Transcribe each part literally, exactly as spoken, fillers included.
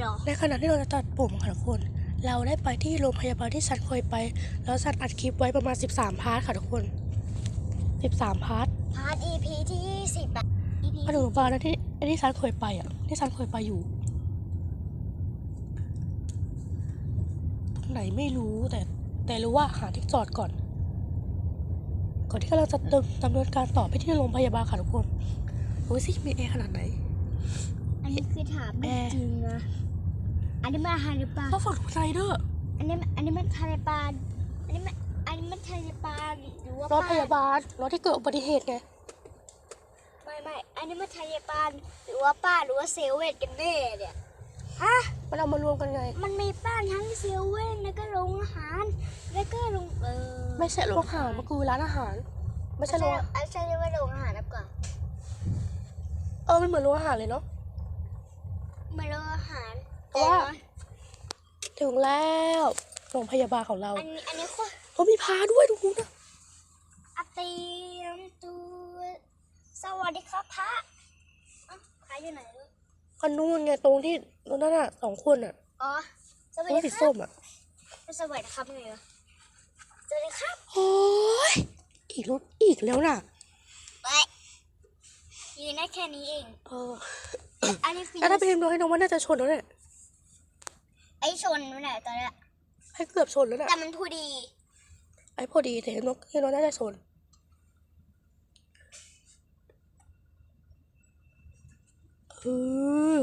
เหรอในขณะที่เราจะตัดผมค่ะทุกคนเราได้ไปที่โรงพยาบาลที่ฉันเคยไปแล้วฉันอัดคลิปไว้ประมาณสิบสามพาร์ทค่ะทุกคนสิบสามพาร์ทพาร์ท อี พี ที่ยี่สิบอะ อี พีมาถึงโรงพยาบาลที่ที่ฉันเคยไปอ่ะที่ฉันเคยไปอยู่ตรงไหนไม่รู้แต่แต่รู้ว่าหาที่จอดก่อนก่อนที่เราจะดำเนินการต่อไปที่โรงพยาบาลค่ะทุกคนรู้สิมีแอร์ขนาดไหนอันนี้คือถามไม่จริงนะอันนี้มันทะเลปลาก็ฝั่งไซเดอร์อันนี้อันนี้มันทะเลปลาอันนี้มันอันนี้มันทะเลปลาหรือว่ารถพยาบาลรถที่เกิดอุบัติเหตุไงไม่ไม่อันนี้มันทะเลปลาหรือว่าป้าหรือว่าเซเว่นกันแน่เนี่ยฮะมันเอามารวมกันไงมันมีป้าทั้งเซเว่นแล้วก็โรงอาหารแล้วก็โรงเออไม่ใช่โรงอาหารมันคือร้านอาหารไม่ใช่โรงไอ้ใช่เรียกว่าโรงอาหารนะก่อนเออมันเหมือนโรงอาหารเลยเนาะเหมือนโรงอาหารเพราะว่าถึงแล้วโรงพยาบาลของเราอันนี้อันนี้คือเขามีพาด้วยทุกคนนะอาเตียมตัวสวัสดีครับพระพระอยู่ไหนลูกคนนู้นไงตรงที่ตรงนั้นอ่ะสองคนอ่ะอ๋อสวัสดีครับส้มอ่ะสวัสดีครับไงวะสวัสดีครับโอ้ยอีกรถอีกแล้วน่ะไปยืนได้แค่นี้เองเอออันนี้คือถ้าไปเห็นน้องให้น้องว่าน่าจะชนแล้วเนี่ยไอ้ชนไม่ไหนตอนนี้ให้เกือบชนแล้วน่ะแต่มันพอดีไอ้พอดีแต่เห็นน้องเห็นน้องน่าจะชนเออ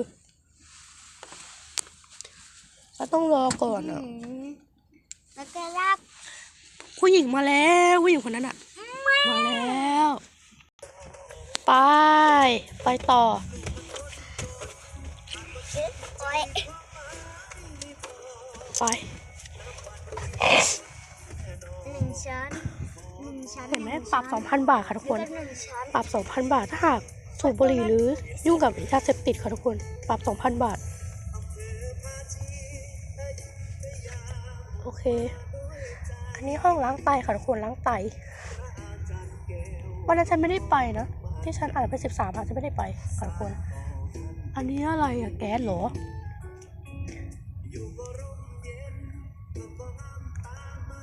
เราต้องรอก่อนอ่ะแล้วก็รับผู้หญิงมาแล้วผู้หญิงคนนั้นอ่ะมาแล้วไปไปต่อไปหนึ่งชั้นหนึ่งชั้นเห็นไหมปรับสองพันบาทค่ะทุกคนปรับสองพันบาทถ้าหากสูบบุหรี่หรือยุ่งกับยาเสพติดค่ะทุกคนปรับสองพันบาทโอเคอันนี้ห้องล้างไตค่ะทุกคนล้างไตวันนั้นฉันไม่ได้ไปนะที่ฉันอ่านไปสิบสามค่ะฉันไม่ได้ไปค่ะทุกคนอันนี้อะไรอะแก๊สเหรอไป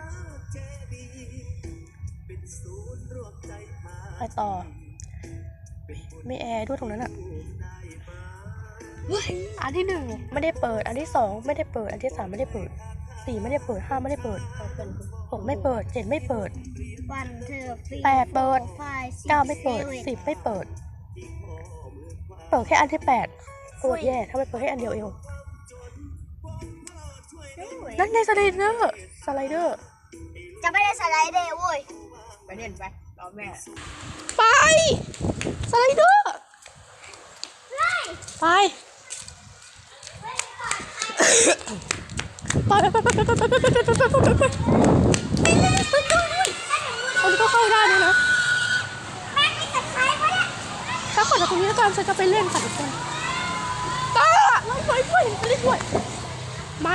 ไปต่อไม่แอร์ด้วยตรงนั้นอ่ะอันที่หนึ่งไม่ได้เปิดอันที่สองไม่ได้เปิดอันที่สามไม่ได้เปิดสี่ไม่ได้เปิดห้าไม่ได้เปิดหกไม่เปิดเจ็ดไม่เปิดแปดเปิดเก้าไม่เปิดสิบไม่เปิดเปิดแค่อันที่แปดโคตรแย่ถ้าไม่เปิดแค่อันเดียวเองนั่นไงสไลเดอร์สไลเดอร์จะไม่ได้สไลเดอร์เว้ยไปเล่นไปรอแม่ไปสไลเดอร์ไปไปไปไปไปไปไปไปไปไปไปอันนี้ก็เข้าได้เลยนะถ้าขอจากตรงนี้ก่อนฉันจะไปเล่นค่ะทุกคนตาไปไปไปเล่นด้วยมา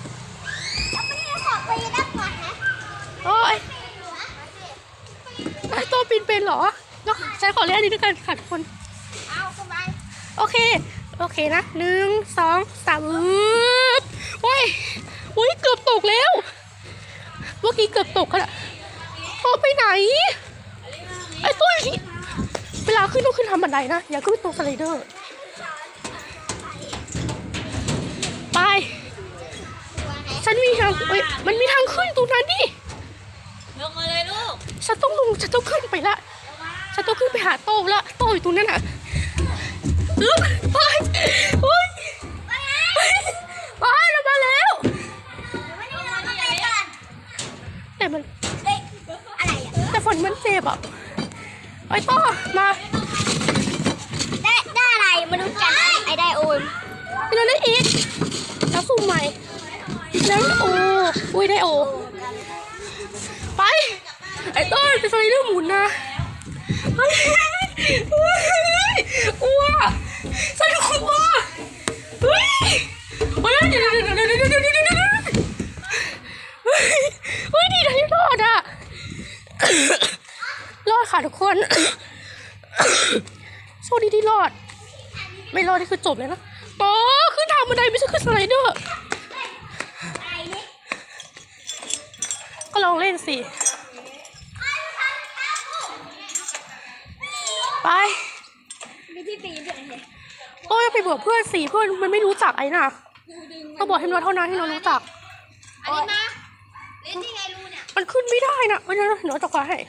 โอ้ยไอ้ตัวปีนเป็นเหรอเนาะฉันขอเล่นอันนี้ด้วยกันค่ะทุกคนโอเคโอเคนะหนึ่งสองสามโอ้ยโอ้ยเกือบตกแล้วเมื่อกี้เกือบตกค่ะโอ้ไปไหนไอ้ตัวนี้เวลาขึ้นต้องขึ้นทำบันไดนะอย่าขึ้นตรงสไลเดอร์ไปฉันมีทางเอ้ยมันมีทางขึ้นตรงนั้นดิลงมาเลยลูกฉันต้องลงฉันต้องขึ้นไปละฉันต้องขึ้นไปหาโต้ละโต้อยู่ตรงนั้นอ่ะลุกไปโอ้ยไปเรามาแล้วแต่มันแต่ฝนมันเจ็บอ่ะไอ้ต้อมาได้ได้อะไรมาดูกันไอ้ได้โอนเราได้อีกแล้วสุ่มใหม่แล้วโอ้อุ้ยได้โอไปไอ้ต้อไปไฟเรื่องหมุนนะกลัวสนุกกว่าเฮ้ยเฮ้ยเดี๋ยวเดี๋ยวเดี๋ยวเดี๋ยวเดี๋ยวเดี๋ยวเดี๋ยวเฮ้ยดีนะที่รอดอะรอดค่ะทุกคนโชคดีที่รอดไม่รอดนี่คือจบเลยนะโตขึ้นทบันไดไม่ใช่ขึ้นสไลเดอร์ก็ลองเล่นสิไปมีที่ปีนด้วยเนี่ยโต้ยไปบอกเพื่อนสิเพื่อนมันไม่รู้จักไอ้น่ะก็บอกให้น้องเท่านั้นที่น้องรู้จักอันนี้มาเล่นที่ไงรูเนี่ยมันขึ้นไม่ได้นะมันจะหนูจะคว้าให้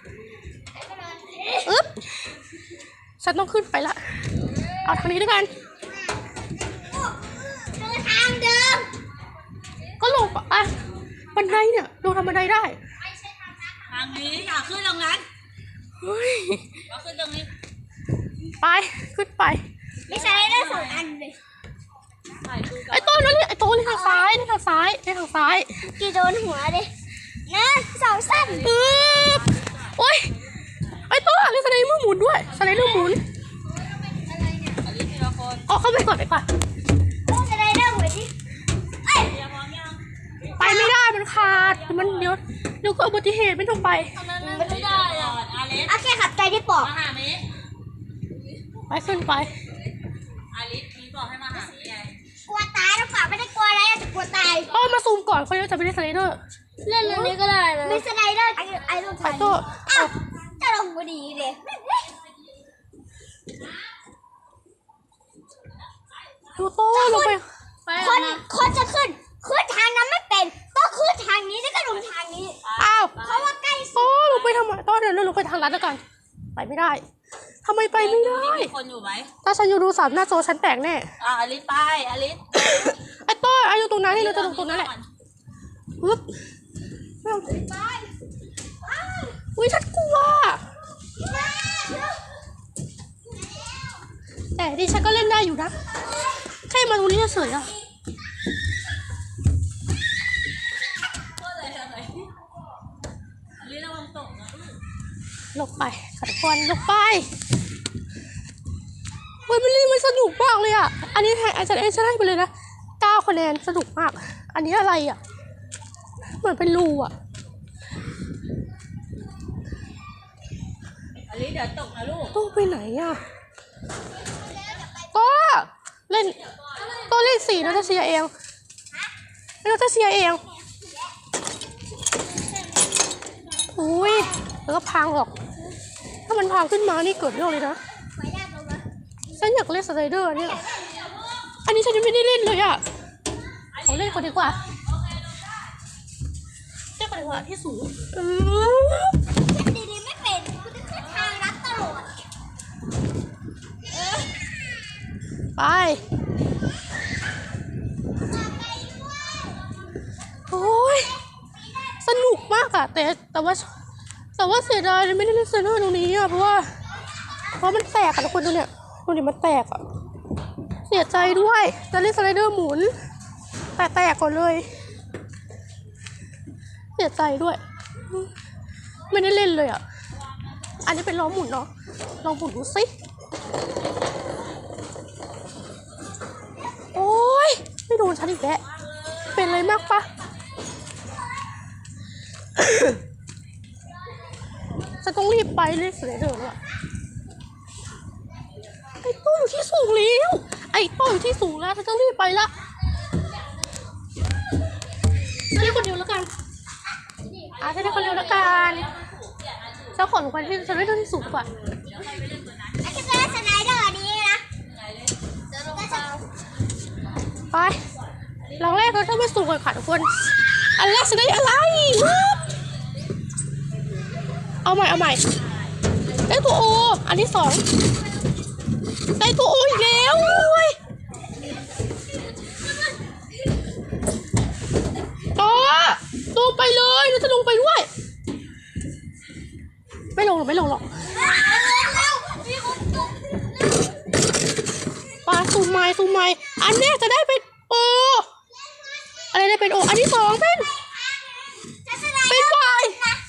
อึ๊บฉันต้องขึ้นไปละเอาทางนี้ด้วยกันเดินทางเดิมก็ลงไปอ่ะบันไดเนี่ยลงทำบันไดได้ทางนี้อยากขึ้นตรงนั้นเฮ้ยอยากขึ้นตรงนี้ไปขึ้นไปไม่ใช่ได้สองอันเลยถ่ายดูก่อไอ้นโต้นั่นนี่ไอ้โต้นี่ทางซ้ายนี่ทางซ้ายนี่ทางซ้ายกี่โดนหัวเลยนะสองสั้นอึ๊บโอ๊ยไอ้โต้เล่นสไลเดอร์หมุนด้วยสไลเดอร์หมุนอันนี้ทีละคนออกเข้าไปก่อนไปก่อนโอ้จะได้ได้หัวดิเอ้ยเรียพร้อมยังไปไม่ได้มันขาดมันเดี๋ยวเดี๋ยวก็อุบัติเหตุไม่ต้องไปไม่ได้ก่อนอาลิสโอเคขับใจที่ปอกมาหามิไปขึ้นไปอาลิสมีบอกให้มาหามิไงกลัวตายหรือเปล่าไม่ได้กลัวอะไรแต่กลัวตายโต้มาซูมก่อนเขาจะไปเล่นสไลเดอร์เล่นเรื่องนี้ก็ได้นะมีสไลเดอร์ไอ้ไอ้ลูกไปโต้อ้าวจะลงพอดีเลยดูโต้ลงไปคนคนจะขึ้นขึ้นทางนั้นไม่เป็นต้องขึ้นทางนี้แล้วก็ลงทางนี้อ้าวเพราะว่าใกล้สุดโต้ลงไปทำไมโต้เดินลงไปทางลัดแล้วกันไปไม่ได้ทำไมไปไม่ได้มีคนอยู่ไหมถ้าฉันอยู่ดูสามหน้าจอฉันแตกแน่อ่ะอาลิสไปอาลิสไอ้โต้อายุตรงนั้นนี่เราจะลงตรงนั้นแหละปึ๊บไม่เอาอุ้ยฉันกลัวแต่ดิฉันก็เล่นได้อยู่นะแค่มาตรงนี้เฉยๆอะก็เลยอะไรอาลิสระวังตกนะลงไปขัดควันลงไปเฮ้ยมันเล่นมันสนุกมากเลยอ่ะอันนี้ให้อาจารย์เอ็นจะให้ไปเลยนะเก้าคะแนนสนุกมากอันนี้อะไรอ่ะเหมือนเป็นรูอ่ะอาลิสเดี๋ยวตกนะลูกโต้ไปไหนอ่ะโต้เล่นโต้เล่นสี่นาตาเซียเองนาตาเซียเองอุ้ยแล้วก็พังออกถ้ามันพังขึ้นมานี่เกิดเรื่องเลยนะฉันอยากเล่นสไลเดอร์เนี่ยอันนี้ฉันยังไม่ได้เล่นเลยอ่ะขอเล่นก่อนดีกว่าเล่นก่อนดีกว่าที่สูงเออดีๆไม่เป็นคุณจะขึ้นทางรัดตลอดไปโอ้ยสนุกมากอะแต่แต่ว่าแต่ว่าเสียดายไม่ได้เล่นสไลเดอร์ตรงนี้อะเพราะว่าเพราะมันแตกอะทุกคนดูเนี่ยดูดิมันแตกอะเสียใจด้วยจะเล่นสไลเดอร์หมุนแต่แตกก่อนเลยเสียใจด้วยไม่ได้เล่นเลยอะอันนี้เป็นล้อหมุนเนาะลองหมุนดูสิโอ้ยไม่โดนฉันอีกแล้วเป็นอะไรมากปะ จะต้องรีบไปเลยเสียเดินอะไอ้โต้อยู่ที่สูงแล้วไอ้โต้อยู่ที่สูงแล้วฉันต้องรีบไปละฉันได้คนเดียวแล้วกันอ่ะฉันได้คนเดียวแล้วกันฉันขอลงไปที่ฉันได้เดินที่สูงกว่าแล้วก็จะได้สไลเดอร์นี้นะจะลงไปไปหลังแรกเราต้องไปสูงก่อนค่ะทุกคนอันแรกฉันได้อะไรเอาใหม่เอาใหม่ได้ตัวโออันที่สองได้ตัวโออีกแล้วโอ้ยต่อลงไปเลยเราจะลงไปด้วยไม่ลงหรอกไม่ลงหรอกปลาซูมไม้ซูมไม้อันแรกจะได้เป็นโออะไรได้เป็นโออันที่สองเป็นเป็นวาย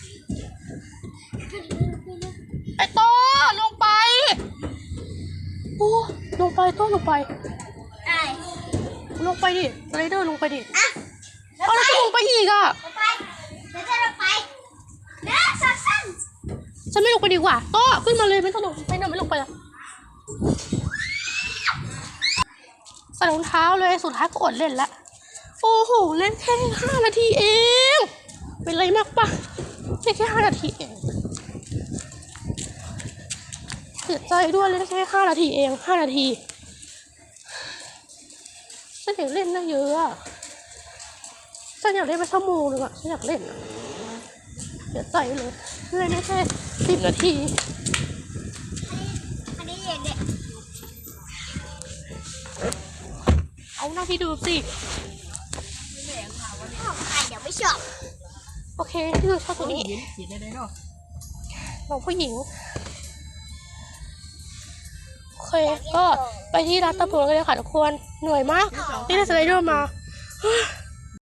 ไอโตลงไปโอ้ลงไปโตลงไปได้ลงไปดิสไลเดอร์ลงไปดิอ่ะเอาแล้วจะลงไปอีกอ่ะไปเดี๋ยวจะลงไปเนื้อสั้นฉันไม่ลงไปดีกว่าโตขึ้นมาเลยไม่ต้องลงไม่ต้องไม่ลงไปละใส่รองเท้าเลยสุดท้ายก็อดเล่นละโอ้โหเล่นแค่ห้านาทีเองเป็นไรมากปะเล่นแค่ห้านาทีเองเสียใจด้วยเล่นแค่ห้านาทีเองห้านาทีฉันอยากเล่นนะเยอะอะฉันอยากเล่นไปชั่วโมงนึงอะฉันอยากเล่นอะเสียใจเลยเล่นได้แค่สิบนาทีอันนี้เด็กเอาหน้าที่ดูสิๆของใครเดี๋ยวไม่ชอบโอเคที่ดูชอบตัวนี้ขีดได้เลยเนาะน้องผู้หญิงโอเคก็ไปที่ร้านตะปูกันเลยค่ะทุกคนเหนื่อยมากนี่ได้สไลเดอร์มา